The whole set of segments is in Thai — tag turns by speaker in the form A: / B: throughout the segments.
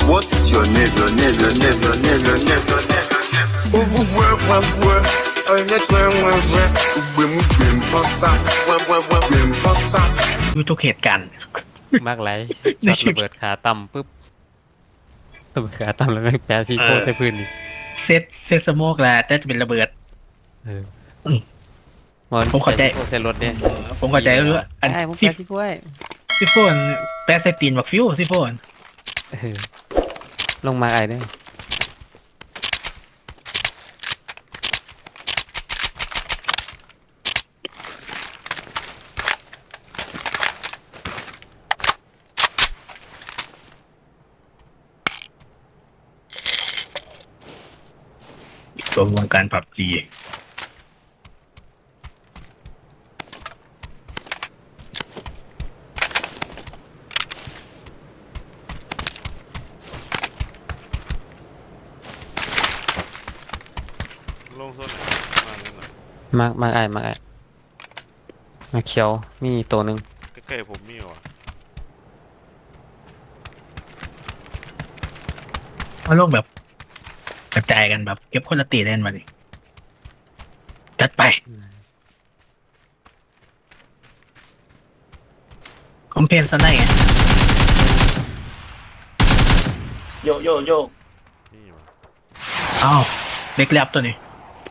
A: What's your name, your name, your name, your name, your name, your name? Ouvre-vous, moi,
B: ดูทุกเหตุการณ์
C: มากไรช็อตระเบิดขาต่ำปุ๊บระเบิดขาต่ำแล้วแม่งแปะซีโฟใส่พื้นนี่
B: เซตสโมกแหละแต่จะเป็นระเบิด
C: มัน
B: ผมเข้าใจ
C: ใส่รถเนี่ย
B: ผมเข้าใจแล้วว่าอัน
C: ได้ผม
B: ซิ
C: แปะซีโฟไว้
B: ซิโฟนแปะใส่ตีนบักฟิวซิโฟน
C: เออลงมาไอ้เนี่ย
B: ตัววงการผับจี
D: ลงโซนไหนมาเล่นหน่อย
C: มากไอ้มาเขียวมีตัวหนึ่ง
D: ใกล้ๆผมมีว่ะ
B: มาโลกแบบกระจายกันแบบเก็บคนละตีเล่นมาดิจัดไปคอมเพนซะได้ไงโย
D: นี่ว่ะ
B: อ้าวเด็กแลบตัวนี้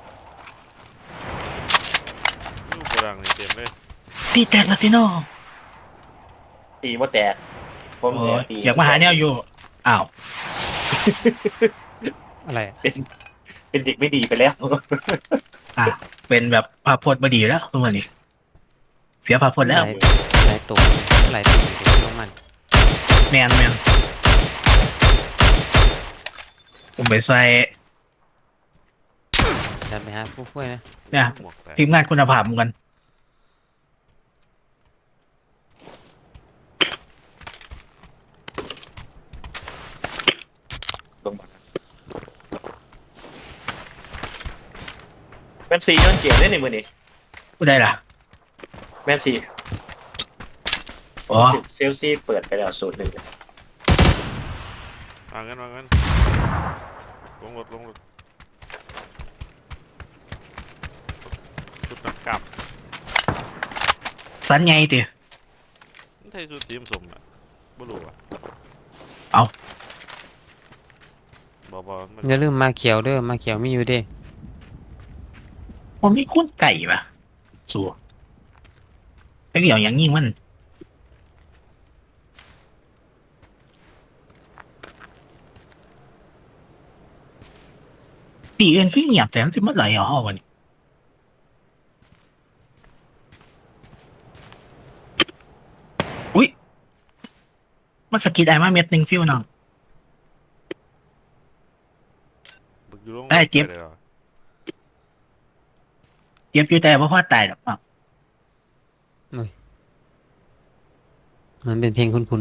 D: ลูกโบราณนี่เต็มเลย
B: ตีแตกลาติโน
E: ตีว่าแตกผม
B: โอ้
E: เนี่ย
B: ย
E: ตี
B: อยากมาหาแนวอยู่อ้าว
C: อะไรอะ
E: เป็นเด็กไม่ดีไปแล้ว
B: อ่ะเป็นแบบภาพพจน์บดีแล้วทุกวันนี้เสียภาพพจน์แล้ว
C: หลายตัวหลายตัวเดี๋ยวลงมัน
B: แมนผมไปใส่
C: ดันไปหาผู้ช่วยนะ
B: เนี่ย
D: หมวกแตก
B: ทีมงานคุณภาพเหมือนกัน
E: ลงมาแมนซีย้อนเกมได้ในมือนี้
B: ผู้ใดล่ะ
E: แมนซี
B: อ๋อ
E: เซลซีเปิดไปแล้ว0-1
D: วางกันลงรถชุดนักกลับ
B: สันไงติ
D: นี่ไทยชุดสีมสมอ่ะบ่รู้อ่ะ
B: เอา
D: บ่มัน
C: อย่าลืมมาเขียวเด้อมาเขียวมีอยู่เด้
B: ผมมีคุ้นไก่ปะสัวไอ้เกี่ยวอย่างยิ่งมันตีเอ็นคือเงียบแต่มันสิเมื่อไหร่อ่ะวันนี้อุ้ยมาสกิดไอ้มาเม็ดหนึ่งฟิวน้อง
D: บึกอยู่ลง
B: ได้เจ็บ
D: ลยหรอ
B: เจ็บอยู่แต่ว่าพ่อตายหรอกอ้าว
C: มันเป็นเพลงคุ้น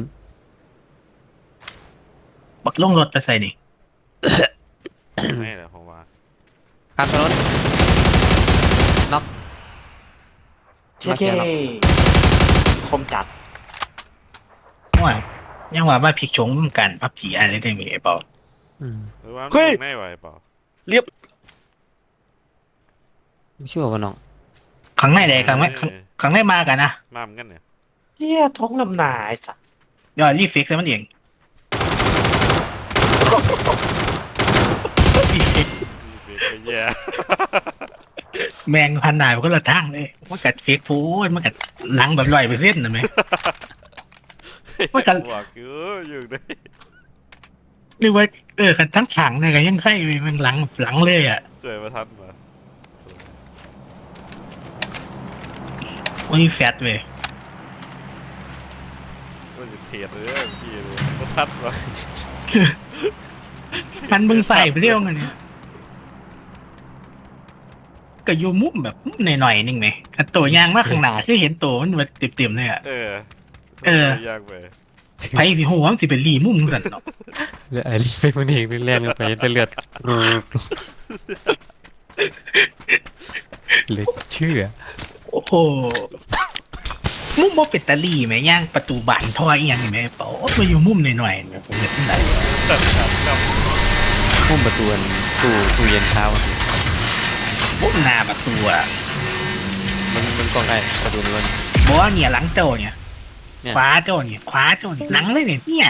B: บักลงรถไปใส่นี่
D: ไม่แหละผมว่า
C: ๆข้ามถนนน็อก
E: เช่เช่คมจัด
B: ว่ายังว่ามาพลิกชงกันพับผีอะไรได้ไหมไอ้เปล่า
D: หรือว่า
E: เฮ้ย
D: ไม่ไหวเปล่า
C: ไม่ชั่วป่ะน้อง
B: ครั้งไหนใดครั้งไหนครั้งไหนมากันนะ
D: มาเหมือนกันเนี่ย
E: เฮียท้องลำหนาไอ้สัส
B: ยอดรีฟิกซ์มันเอง
D: มีเบรกไปแย่
B: แมงพันหนายมันก็ละทางเลยมันกัดเฟกฟูดมันกัดหลังแบบ100%นะไหม ว่ากัน
D: บอกอยู่ได้
B: หรือว่ากันทั้งถังเนี่ยก็ยังไข่มันหลังเลยอ่ะ
D: ช่วยมาทันมา
B: โอ้ยแฟตเว้ย
D: มันจะเทียดเลยพี่เลยมาทันมา
B: มันมึงใส่ไปเรื่องอันเนี้ยก็อยู่มุมแบบหน่อยๆนึงไหมอันตัวยางมากข้างหน้าคือเห็นตัวมันแบบเต็มๆเลยอ่ะ
D: ยากไป
B: ไผสิโหมันสิเป็นรีมุมสั่นเนาะ
C: เลือดไอริสไปมันเองเล่นไปแต่เลือดเหลือเชื่อ
B: โอ้โหมุมบ่เป็นตาลีไหมย่างประตูบานทอยอีหยังนี่ไหมเปล่ามาอยู่มุมหน่อยๆเนี่ยผมเห็นได้
C: พุ่มประตูอันตู้เย็นเท้าอะ
B: ปุ๊บหน้าประตูอะ
C: มันกล้องไอ้ประตูมัน
B: บอกว่าเนี่ยหลังเจ้าเนี่ย
C: เนี่ย
B: ขวาเจ้าเนี่ยขวาเจ้าเนี่ยหนังเลยเนี่ย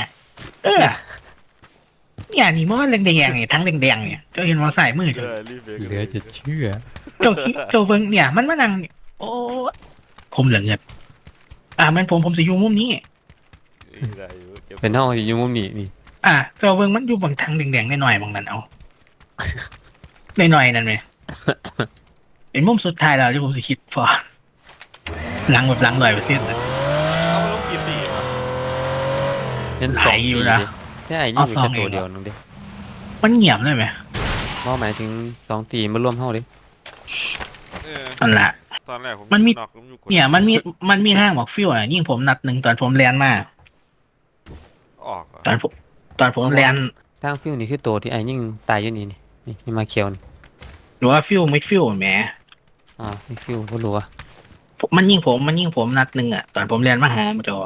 B: เนี่ยนี่มันแดงๆเนี่ยทั้งแดงๆเนี่ยเจ้าเห็นว่าใส่มือ
D: เจ
B: เจ้า
D: อรีบเบรก
C: เหลือจะเชื่อ
B: เจ้าคิดเจ้าเบิ่งเนี่ยมันมานั่งเนี่ยโอ้ผมเหลือเงินมันผมสิอยู่มุมนี้
D: ได้อยู่เก็บ
C: เป็นห้องอยู่มุมนี้นี่
B: เจ้าเบิ่งมันอยู่บางทางแดงๆหน่อยๆบางนั้นเอาหน่อยๆนั่นไหมเป็นมุมสุดท้ายแล้วที่ผมสิคิดพอหลังแบบหลัง100%
D: เอาไปลงกี่ปีวะ
C: เล่น
B: ไหล
C: สอง
B: อยู่
C: ปี
B: นะ
C: ดิใช่นี่
B: เอา
C: มี
B: สอง
C: แค่ตัว
B: เองเหรอ
C: เดียวนึงดิ
B: มันเงียบเลยไหม
C: หมายถึง2 ตีมารวมเท่าดิ
B: นั่นแหละ
D: ตอนแรกผม
B: มันมี
D: นอกผมอยู่กด
B: เนี่ยมันมีทางบอกฟิวยิ่งผมนัด1ตอนผมแลนมา
D: ออกเหรอ
B: ตอนผมแลน
C: ทางฟิวนี่คือตัวที่ไอ้ยิ่งตายอยู่นี่มาเขียวนี่
B: หรือว่าฟิวไม่ฟิวแหม
C: นี่ฟิวก็รู้ว่า
B: มันยิงผมนัด1ตอนผมแลนมาหามันจะ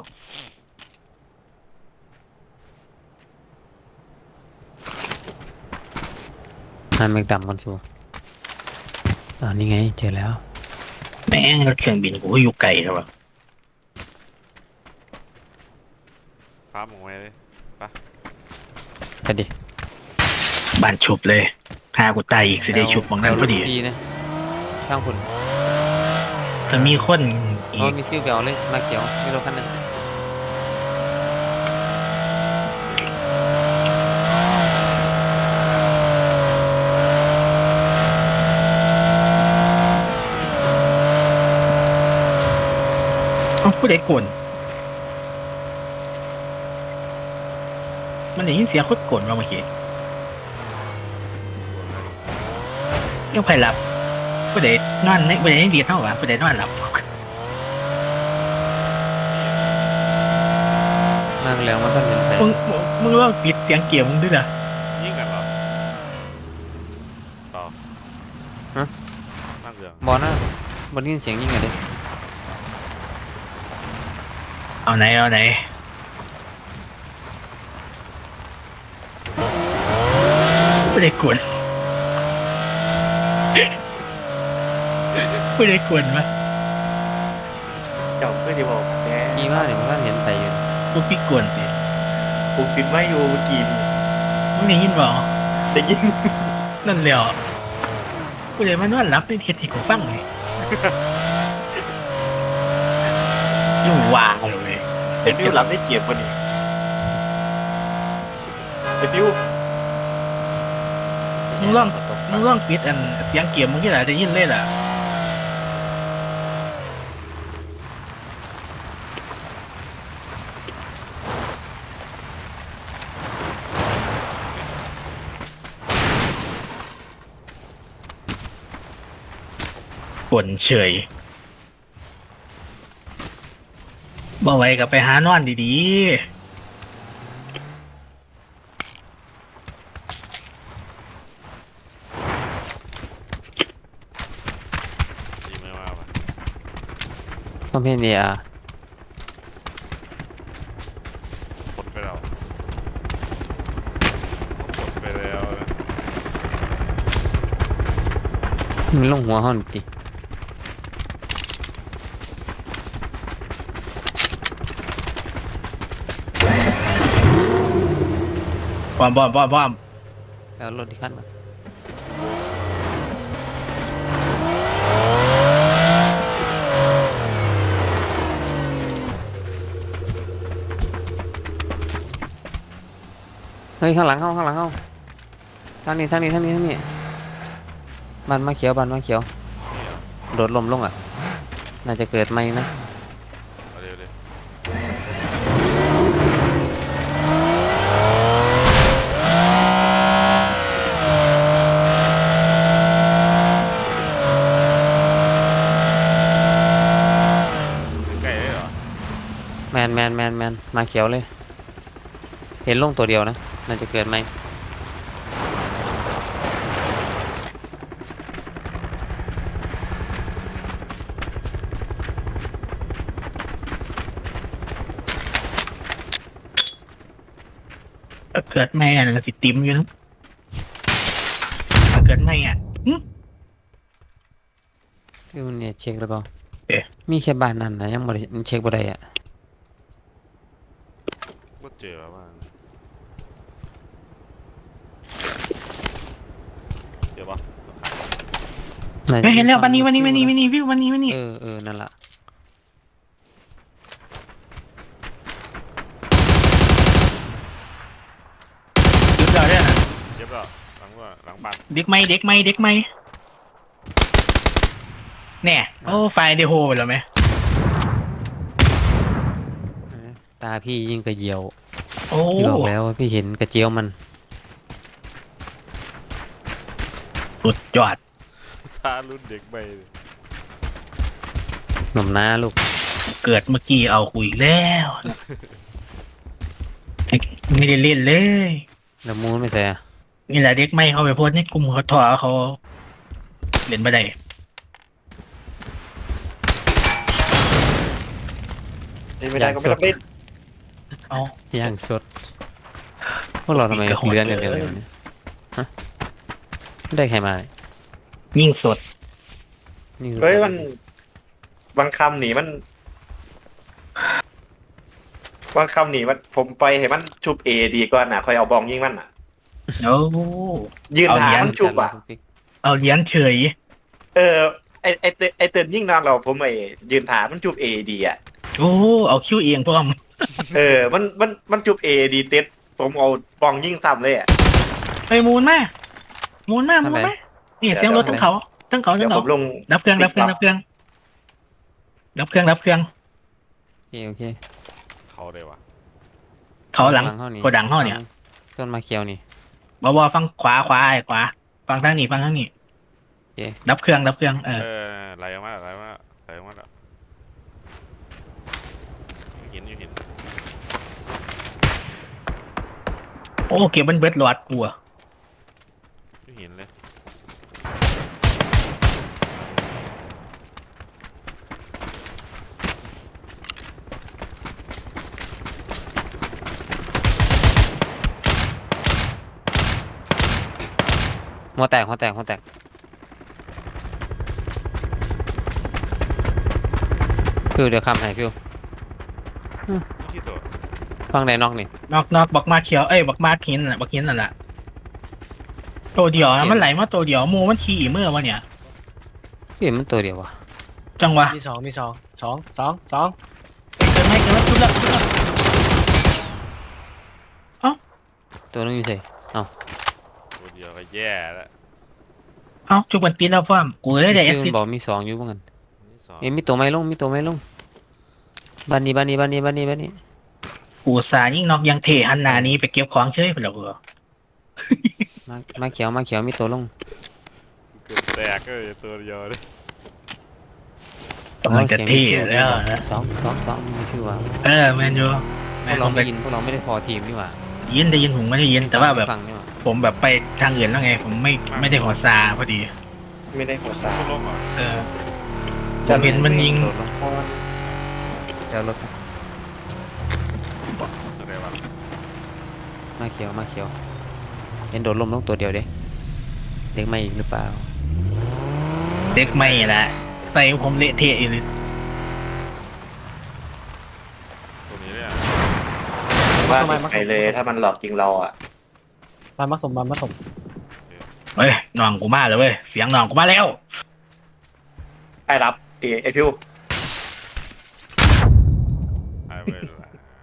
C: หันแม็กดำก่อนชัวนี่ไงเจอแล้ว
B: แม่งรถเครื่องบินกูก็อยู่ไกลแล้วอะ
D: ฟ้าหมงไว้เลย
C: ไปดิ
B: บ้านชุบเลยหากูตายอีกสิได้ชุบบางนั้นพอดี
C: ดีนะช่างคุณ
B: ถ้ามีคนอีก
C: มีฟิวเก่าเลยมาเขียวมีรถคันนึง
B: ผู้ใดกวนมันได้ยินเสียงโคตรกวนมาเมื่อกี้ยังใครหลับผู้ใดนอนในผู้ใดดีเท่าวะผู้ใดนอนหลับ
C: นั่งแล้วมันต้องเห็นใคร
B: มึงลองปิดเสียงเกี่ยวมึงด้วยนะ
D: ยิงกันเหรอต่อนั่งเรือง
C: บอลนะบอลได้ยินเสียงยิงกันดิ
B: เอาไหนผู้ใดกวนผู้ใดกวนวะ
E: เจ้าเพื่อนที่บอกแก
C: ดีมากเลยมันก็เห็นใครอยู่
B: พวกพี่กวนสิ
E: ผมปิดไม่อยู่เมื่อกี้
B: มึงได้ยินบ่
E: ได้ยิน
B: นั่นแหละผู้ใดมานอนหลับในเทศที่กูฟังไงยุ่งว่างเลย
E: ไอ้ฟิวรับได้เกียบวันนี้ไอ้ฟิว
B: มึงลองปิดอันเสียงเกี่ยวมึงที่ไหนได้ยินเลยล่ะกวนเฉยบ่ไหวก็ไปหานอนดี
D: ดีไหมว่าปะ
C: คอมเพนเนีย
D: กดไปแล้วกดไปแล้วนะ
C: มันลงหัวห้องดิ
B: ๆบอม
C: แล้วรถที่ขั้นมาเฮ้ยข้างหลังเข้าทางนี้บันมาเขียวโดดลมลงน่าจะเกิดไหมนะ
D: เอาเร็วเลยใกล้เลยเหรอ
C: แมนมาเขียวเลย เห็นลงตัวเดียวนะน่าจะเกิดไหม
B: เกิดไม่อ่ะสิติมอยู่นะเกิดไม่อ่ะ
C: คือเนี่ยเช็คแล้วเปล่า
B: เอ๊ะ
C: มีแค่บ้านนั่นนะยังบ่ได้เช็คบ่ได้อ่ะ
D: ก็เจอว่าเดี๋ยวปะ
B: เฮ้ยเห็นแล้ววันนี้วิววันนี้
C: เออนั่นล่ะ
B: จุดเราเนี่ยนะ
D: เจ็บแล้วหลังบ้าน
B: เด็กไม่เนี่ยโอ้ไฟเดโฮไปแล้วไหม
C: ตาพี่ยิ่งกระเจียว
B: โอ้
C: พี่บอกแล้วว่าพี่เห็นกระเจียวมัน
B: สุดยอด
D: ซารุ่นเด็กไปเลย
C: หนุ่มน้าลูก
B: เกิดเมื่อกี้เอาคุยแล้ว ไม่ได้เล่นเลย
C: แล้วมูนไม่ใส่อะ
B: นี่แหละเด็กไม่เข้าไปโพสต์ในกลุ่มเขาถอเขาเล่นไม่ได้
E: นี่ไม่ได้ก็ไม่ต้องเล่น
B: เอา
C: ย่างสดพวกเราทำไม
B: กระโหด
C: เลื่อนกันเร็วๆเนี่ยฮะไม่ได้ใครมาเลย
B: ยิ่งสด
C: นี่คือ
E: เฮ้ยมันบางคำหนีมันบางคำหนีมันผมไปเห็นมันชุบเอดีกว่าน่ะคอยเอาบองยิงมันอ่ะ
B: โอ้
E: ยืน
B: เอา
E: หา
B: เหรียญ
E: มันชุบอ่ะ
B: เอาเหรียญเฉย
E: เออไอเตือนยิ่งนอนเราผมยืนถามมันจุบเอดีอ่ะ
B: โอ้เอาคิวเองพร้อม
E: เออมันจุบเอดีเต็ดผมเอาบองยิ่งซ้ำเลยอ่ะ
B: ไปมูนมานี่เสียงรถทั้งเขา
E: เดี๋ยวผมลง
B: ดับเครื่อง
C: โอเค
D: เขาเลยวะ
B: เขาหลัง
C: ห้องนี้
B: โกดังห้องเนี่ย
C: ต้นมาเขียวนี่
B: บฟังขวาฟังทางนี้
C: โอเค
B: ดับเครื่อง
D: ไหลออกมาแล้วเห็น
B: โอ้เก็บมันเบิดหลอดกลัว
D: ไม่เห็นเลย
C: หัวแตกฟิวเดี๋ยวคำให้ฟิว
D: ที่ตัว
C: ฟังไหนนอกนี่
B: นอกบักมาเขียวบักมาหินนั่นแหละตัวเดียวนะมันไหลมาตัวเดียวมูมันขี่เมื่อวะเนี่ย
C: พี่เห็นมันตัวเดียววะ
B: จังวะ
F: มีสองสอง
B: เกิดแล้วจุดละ
C: ตัวนึงอยู่ใส่
D: ตัวเดียวก็แย่แล้ว
B: เอ้าจุกมันปีนแล้วฟ้ามกูเลยได้เอ็ก
C: ฟิ
B: ซิ
C: วบอกมีสองอยู่บ้างกัน
D: นี่สอง
C: เอ้ยมีตัวไม้ลงบ้านนี้
B: กูสายิ่งนอกยังเทหันหนานี้ไปเก็บของเฉยไปแล้วกู
C: มาเขียวมีตัวลง
D: เกือบแตกก็ตัวเดียวเลย
B: กำลังจะเทแล้วนะ
C: สองนี่คือว่า
B: แมนยู
C: พวกเราไม่ยินพวกเราไม่ได้พอทีมนี่หว่า
B: ได้ยินผมไม่ได้ยินแต่ว่าแบบ
C: ฟังนี่หว่า
B: ผมแบบไปทางอื่นแล้วไง ผมไม่ได้หัวซาพอดี
E: ไม่ได้หัวสา
D: ตัวลงอ่ะ
B: ผมเห็นมันยิง
C: โดดลงเจ้ารถ
D: อะไรวะ
C: มาเขียวเห็นโดดลมลงตัวเดียวเด้เด็กไม่อีกหรือเปล่า
B: เด็กไม่ละใส่ผมเละเทะอยู่เลย
D: ตัวนี้เนี่ย
E: ว่าไปเลยถ้ามันหลอกจริงเราอ่ะ
F: มาผสม
B: เฮ้ยน้องกูมาแล้วเว้ยเสียงน้องกูมาแล้ว
E: ไอ้รับไอพิว
D: หายไปแล้ว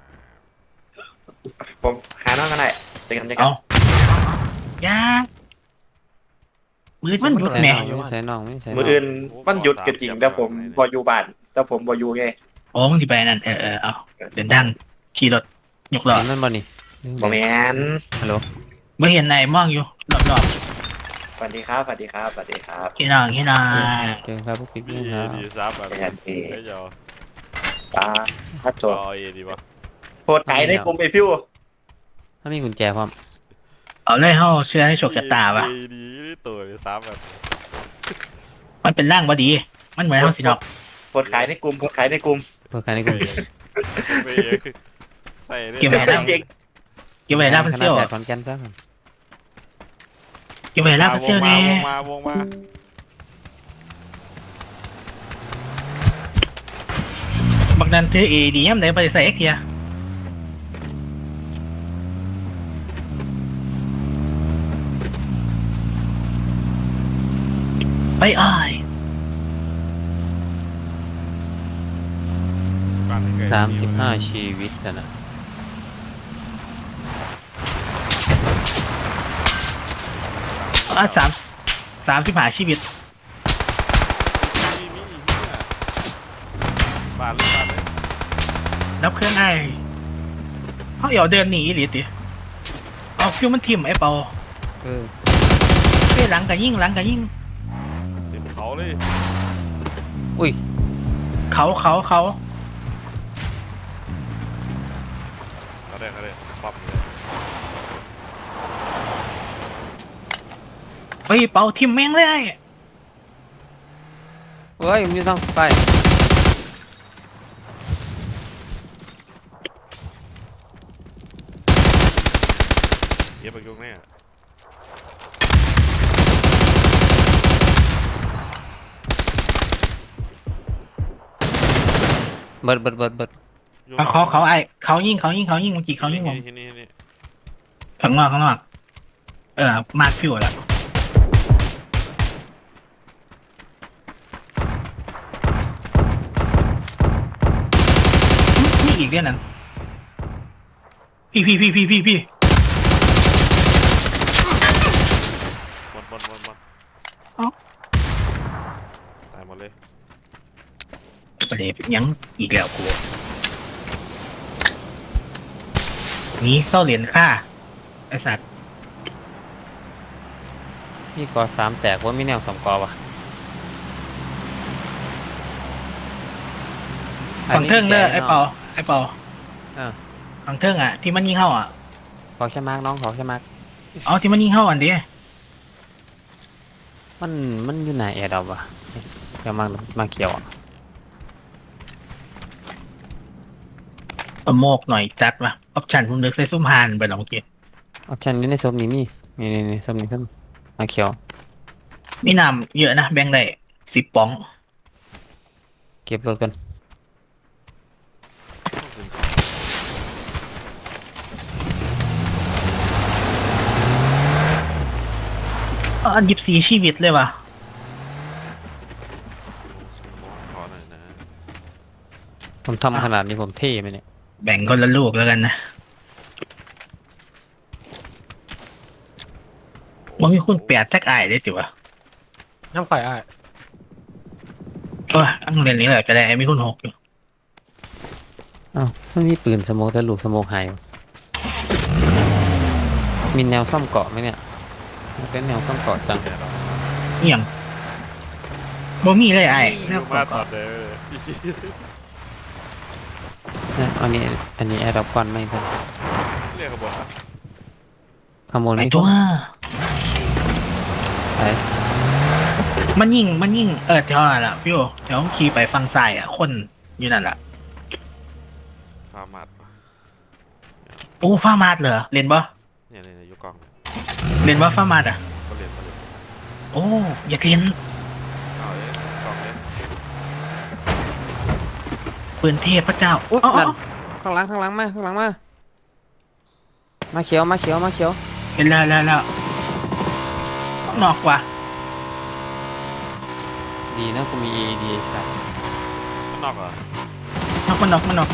E: ผมหาน้องกันได้เจอกัน
B: เอายามือมันหยุด
C: ใส่
B: แหน่
C: น้องไม่ใส่น้อง
E: มืออื่นมันหยุดก็จริงแต่ผมบอยู่บ้านแต่ผมบอยู่ไง
B: โอ้มึงที่ไปนั่นเอาเดินดังขี่รถยกล้อ
C: เห็นมันบ่นี่
E: บอแมน
C: ฮัลโหล
B: ไม่เห็นไหนมองอยู่รอบ
E: สวัสดีครับ
B: ๆพี่น้อง
C: เจอครับพวกพี่
D: ดี
C: ครับ
D: ดีซับแบบไม่ยอม
E: ตาพัดโจ
D: เอาเอดีป่ะ
E: โพดไก่ในกลุ่มไอพิว
C: ถ้ามีกุญแจพร้อม
B: เอาเลยเฮาเชื่อให้โชคชะตาวะ
D: ดีตัวเลยซับแบบ
B: มันเป็นร่างบดี มันเหมือนเฮาสิดอก
E: โพดขายในกลุ่ม
C: เพื่อการในกลุ่ม
D: ไปใส่
B: เก็บไว้
E: เก็บ
B: ได้
E: เอง
B: เก็บไว้ล่าพันเซียว
C: ขนาดแปดขอนแก่นซะก่อน
B: เก็บไว้ล่าพันเซียวแน่
D: วงมา
B: บางดันถือเอดีย่ำไหนไปใส่เอ็กเทียไปอ้าย
C: 35 ชีวิตนะ
B: 35ชีวิต
D: มีบานเลย
B: นับเครื่องไอ้เขาเอี่ยวเดินหนีหรือติเอาฟิวมันทิ่มไอ้เปา
C: เออ
B: เฮ้ยหลังกันยิ่ง
D: เต็มเขาเลย
C: อุ้ย
B: เขา
D: เขาได้ปั๊มเลย
B: เฮ้ยเปาทิ่มแม่งเลย
C: เฮ้ยมันอยู่ทางไป
D: เย็บไปยุ่งแน่
C: เบิด
B: เขาไอ้เขายิงเมื่อกี้เขายิงผม
D: นี่
B: ข้างนอกมาร์คฟิวแล้วนี่อีกเรื่องนั้นพี่
D: บน
B: เอ้า
D: ตายหมดเลย
B: ประเดี๋ยวยังอีกแล้วกูนี่เศร้าเหรียญค่าไอสัตว์
C: มีกอ3แตกว่ามีแนว2กอวะ
B: ฝั่งเทิงเด้อไอเปา
C: อ่า
B: ฝั่งเทิงอ่ะที่มันยิงเข้าอ่ะ
C: ขอแค่มากน้องขอแค่มาก
B: เอาที่มันยิงเข้าอันเดีย
C: มันอยู่ไหนแอร์ดอปวะเดี๋ยวมาเขียวอ่ะ
B: สโมกหน่อยจัดวะออปชั่นผมเลือกใส่ซุ้มฮานไปหรอกเมื่อกี้
C: ออปชั่นอยู่ในศพนี้มีนี่ศพนี้ขึ้นมาเขียว
B: มีน้ำเยอะนะแบ่งได้10ป๋อง
C: เก็บรถกัน
B: อัน24ชีวิตเลยวะ
D: ขอหน่อยนะ
C: ผมทำขนาดนี้ผมเท่ไหมเนี่ย
B: แบ่งคนละลูกแล้วกันนะมันมีคุณแปดแท็กไอายได้จิวะ
F: น้ำข่อยอ้าย
B: อังเรียนนี้แหละก็ได้มีคุณ6อยู่
C: อ้าวมันมีปืนสโมกแต่ลูกสโมกหายวะมีแนวซ่อมเกาะไหมเนี่ยเป็นแนวซ่อมเกาะจัง
B: เอี่ยงบ่มีเลยไอ้แนว
D: มาต
B: ก่
D: อ
B: อน
D: ดเลย
C: นะอันนี้แอร์ดรอปก่อนไม่ทัน
D: เรียกขบวน
C: ขโมย
B: ไอ้
C: ไม่
B: ตัว
C: ไป
B: มันยิงแถวนั่นแหละฟิวแถวขี่ไปฝั่งซ้ายอ่ะคนอยู่นั่นแหละ
D: ฟาร์มัด
B: โอ้ฟ้ามาดเหรอเรียนบ่
D: เนี่ยยุกอง
B: เรียนว่าฟ้ามาดอ่ะ
D: ก็เรียน
B: โอ้อยากเรียน
D: เอาเลยกองเลย
B: ปืนเทพพระเจ้า
C: อุ๊ย
B: อ๋อ
C: นั่นข้างหลังมาเขียว
B: เห็นแล้วนอกว่ะ
C: ดีนะกูมี AED ไอ้สัตว์
D: ข้างนอกเหรอน
B: อก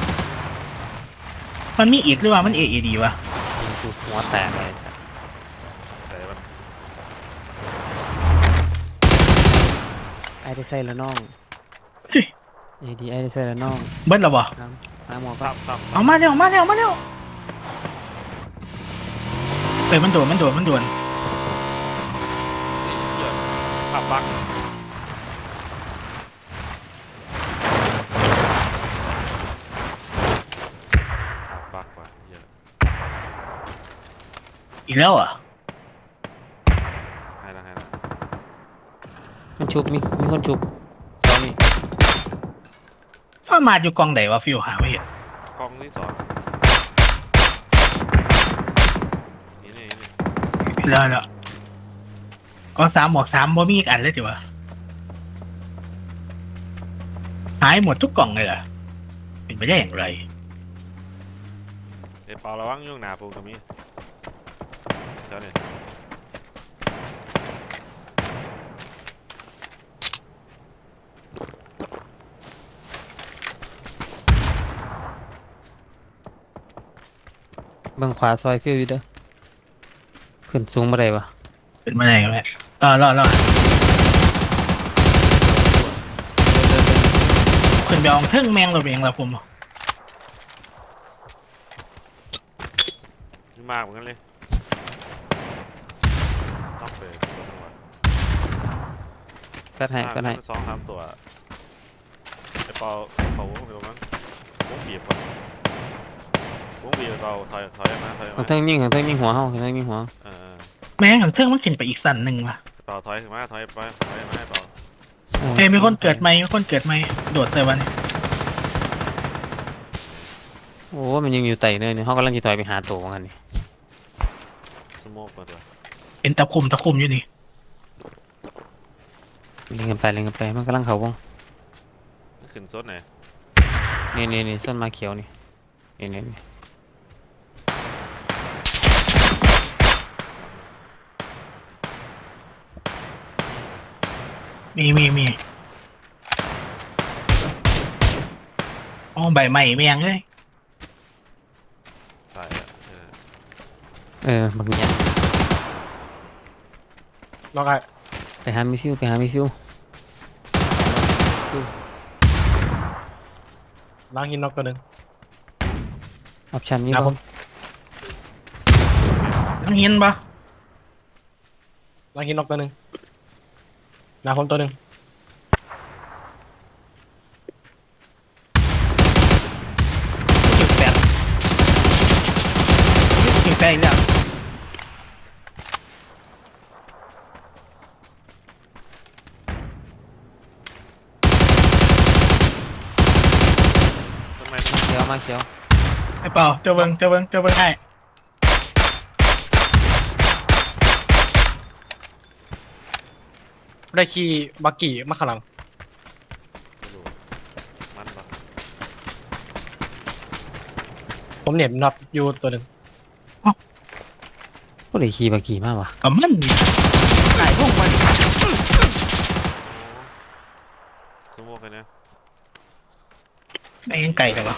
B: มันมีอีกหรือว่ามัน AED วะ
C: ยิงกูหัวแตกเลยไอ้สัตว์
D: แต่มัน
C: ไอ้ได้ใส่แล้วน้อง AED ไอ้ได้ใส่แล้วน้อง
B: เบิ้ลหรอบ่
C: น้ำหมอก็
D: ตั้ม
B: เอามาเร็วเฮ้ยมันโดน
D: นี่เหี้ยขับบักว่ะเหี้ย
B: อีกแล้วอ่ะ
D: ให้ละ
C: มันชุบมีคนชุบตอนนี้
B: ฟ้ามาดอยู่กองไหนวะฟิวหาไม่เห็น
D: กองที่สอง
B: แล้วก็3 บวก 3บ่มีอีกอันเลยจิวะหายหมดทุกกล่องเลยเหรอเป็นไปได้อย่างไร
D: ไอ้เปาระวังยุ่งหนาปูตรงนี้เจ้าเนี่ย
C: เบิ่งขวาซอยฟิวอยู่เด้อขึ้นสูงมาได้ปะ
B: เป็นมาได้กันแหละรอขึ้นไปเอาเทิงแมงเราเองละผม
D: นี่มากเหมือนกันเลยต้องเปิดตัวนึงว่ะ
C: แฟดให้
D: 2-3 ตัวไอ้เปาเขาวงเดียวมั้งวงบีบก่อนวงบีบเปาถอยมา
C: ข้างเทิงยิงหัวเฮาข้างเทิงยิงหัว
B: แมงของเทิงมันขึ้นไปอีกสั่นหนึ่งว่ะ
D: เปาถอยมาถอยมาให้เปา
B: เฮ้ยมีคนเกิดไหมโดดใส่วันนี้
C: โอ้มันยังอยู่ไต่เนินนี่เฮากำลังสิถอยไปหาตัวกันนี่
D: สโมกมาตัว
B: เป็นตะคุ่มอยู่นี่
C: เล่นกันไปมันกำลังเข้าวง
D: ขึ้นซดไหน
C: นี่ส้นมาเขียวนี่นี่
B: มีอ๋อใบใหม่แมงเลย
D: ใช่
C: บางอย่าง
F: ล็อกไอ้
C: ไปหามิฟิว
F: ล้างหินน็อกตัวหนึ่ง
C: ออปชั่นมี
F: หน้าผ
C: บ่
F: ม
B: น้องเห็นปะ
F: ล้างหินน็อกตัวหนึ่งหน้าผมตัวหนึ่ง
B: จุดแปดอีกแล้ว
D: ทำไม
C: มาเขียว
B: ไอ้เปล่าเจ้าเบิ้งให้
F: ได้ขี่บักกี้มาข้างหลัง
D: ไม่รู้มันปะ
F: ผมเหน็บน็อตอยู่ตัวหนึ่ง
C: ผู้ใดขี่บากี่มากวะ
B: กับมันนี่หายพวกมัน
D: สโมกเลยนะ
B: ไอ้ยังไก่แต่วะ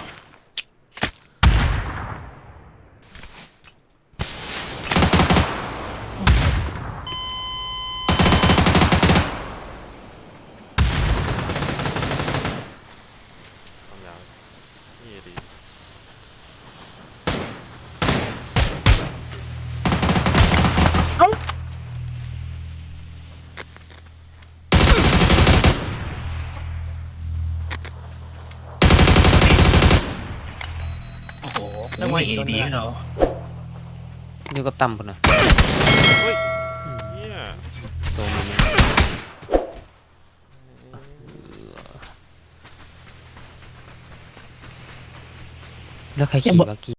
D: ต้องยาวนี่ดี
B: โอ้โหแล้วว่าดีเขา
C: อยู่กับต่ำพุ่นน่ะ
D: เฮ้ยเนี่ย
C: ตัวมันเนี่ยแล้วใครขี่บากี่